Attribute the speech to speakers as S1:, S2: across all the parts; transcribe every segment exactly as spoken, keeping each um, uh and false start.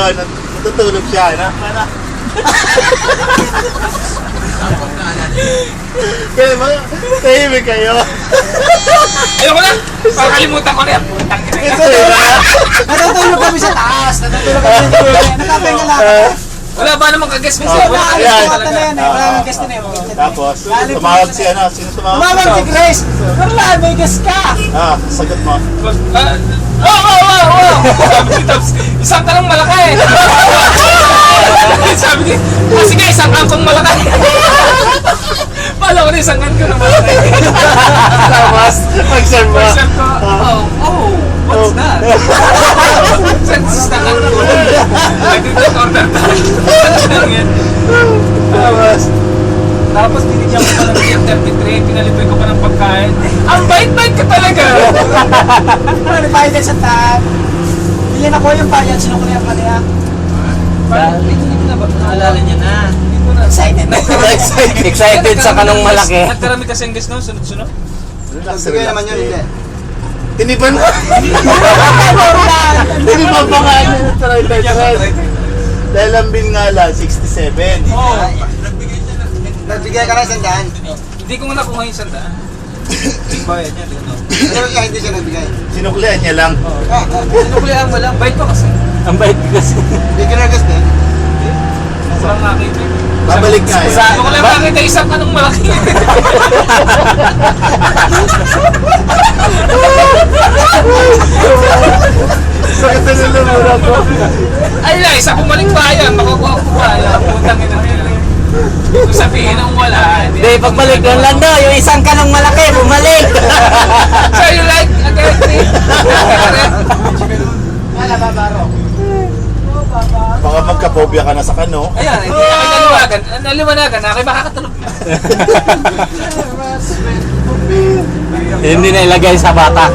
S1: nat- natutulog siya, na? Ano? Kaya ba, tahimik kayo?
S2: Ayoko na! Pakalimutan ko na yan. Putang ina.
S1: Ito diba?
S3: Natutulog kami sa taas. Natutulog kami sa taas. Nakapenga lang.
S2: Wala ba namang kaguess minsan?
S1: Oh,
S2: Wala
S3: Wala
S2: kaguess
S1: ayan.
S3: kami
S2: talaga.
S3: na yan eh. Wala kang guest na yun.
S1: Tapos, tumawag si ano, sino tumawag?
S3: Tumawag si Grace. Carla, may guest ka.
S1: Ah, sagot mo.
S2: Ah, Oh, oh, oh, oh! Sabi ni Tops, isang tanong malaki. Sabi ni, kasi nga isang angkong malaki. Pala ko na isang angkong malaki.
S1: Tapos, mag-serve mo.
S2: Pag-serve ko, oh, oh, what's that? Senses na angkong. Nag-take order tayo.
S1: Tapos,
S2: Tapos binigyan ko pa ng T F thirty-three, pinalibre ko pa ng pagkain. Ang bait-bait ka talaga!
S3: Ano pa yun sa taas? Bilhin ako yung bayan. Sinukulihan ka niya.
S2: Parang hindi ko na ba?
S4: Naalala niya na.
S2: Hindi ko na.
S3: Excited na.
S1: excited.
S4: Excited sa kanong malaki.
S2: Nagkarami kasi ang guest no, sunod-sunod.
S1: Relax,
S3: Sige
S1: relax.
S3: naman yun, hindi.
S1: Tinipan mo. Tinipan pa nga niya ng try, try, try. Dahil ang bill nga lang, sixty-seven.
S2: Oo.
S3: Nagbigay ka na isang daan.
S2: Hindi ko nga nakuha yung sandaan. Yung bayad niya, dito.
S3: Pero kaya hindi siya nagbigay.
S1: Sinuklihan niya lang.
S2: Sinukulihan mo lang, bait pa kasi.
S4: Ang bait kasi.
S3: Hindi ka na-guest din.
S2: Walang nakita.
S1: Babalik nga eh.
S2: Sa ko lang nakita isang kanong malaki.
S1: Sakit na nalumura ko.
S2: Ay lang, isa bumalik pa yan. Makukuha ko pa yan. Putang ina nila. Kung sabihin ang wala.
S4: Hindi, pagbalik lang lang daw. Yung isang kanong malaki, bumalik.
S2: So you like again, Chris?
S3: Wala, babaro.
S1: Baka magka-phobia ka na sa kano.
S2: Ayan, hindi na kayo naliwagan. Naliwanagan na kayo makakatulog na.
S4: Hindi na ilagay sa bata.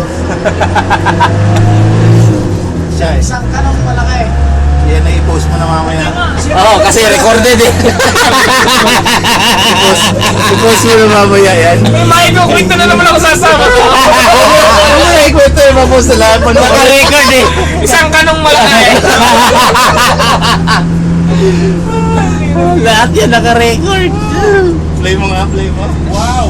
S1: Siya eh.
S3: Isang kanong malaki.
S1: Yan na i-post mo na mamaya.
S4: Oo, kasi recorded eh.
S1: I-post mo na mamaya yan.
S2: May maikukwento na naman ako sasama.
S1: Ano na ikwento yung mapost na lahat?
S4: Naka-record eh.
S2: Isang kanong malaki.
S4: Lahat yan naka-record.
S1: Play mo nga, play mo. Wow!